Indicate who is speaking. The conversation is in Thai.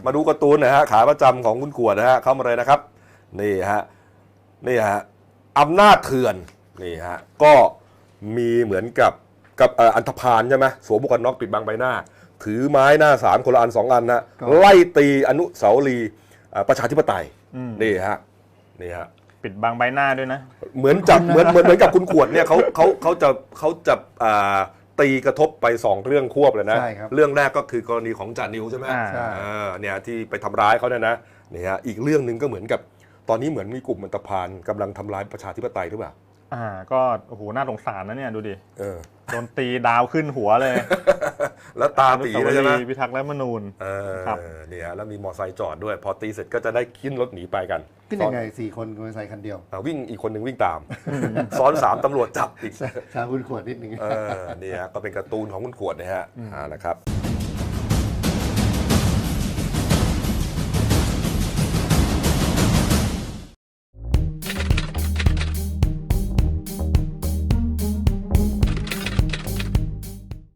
Speaker 1: มาดูการ์ตูนนะฮะขาประจำของคุณขวดนะฮะเข้ามาเลยนะครับนี่ฮะอำนาจเถื่อนนี่ฮะก็มีเหมือนกับอันธพาลใช่ไหมสวมหมวกกันน็อกปิดบังใบหน้าถือไม้หน้าสามคนละอัน2 อันนะไล่ตีอนุสาวรีย์ประชาธิปไตยนี่ฮะ
Speaker 2: ปิดบังใบหน้าด้วยนะ
Speaker 1: เหมือนกับคุณขวดเนี่ยเขาจะตีกระทบไป2 เรื่องควบเลยนะเรื่องแรกก็คือกรณีของจานิวใช่ไหมเนี่ยที่ไปทำร้ายเขาเนี่ยนะนี่ฮะอีกเรื่องหนึ่งก็เหมือนกับตอนนี้เหมือนมีกลุ่มอันธพาลกำลังทำร้ายประชาธิปไตยหรือเปล่า
Speaker 2: ก็โอ้โหน่าสงสารนะเนี่ยดูดิโดนตีดาวขึ้นหัวเลย
Speaker 1: แล้วตาตีเลยใช่ไหม
Speaker 2: พิทักษ์รัฐธรรมนูญ
Speaker 1: ครับเนี่ยแล้วมีมอเตอร์ไซค์จอดด้วยพอตีเสร็จก็จะได้ขึ้นรถหนีไปกัน
Speaker 3: ขึ้นยังไง4 คนมอเตอร์ไซค์คันเดียว
Speaker 1: วิ่งอีกคนหนึ่งวิ่งตามซ้อน3ตำรวจจับอีก
Speaker 3: ชาคุณขวดนิดนึง
Speaker 1: เนี่ยก็เป็นการ์ตูนของคุณขวดนะฮะนะครับ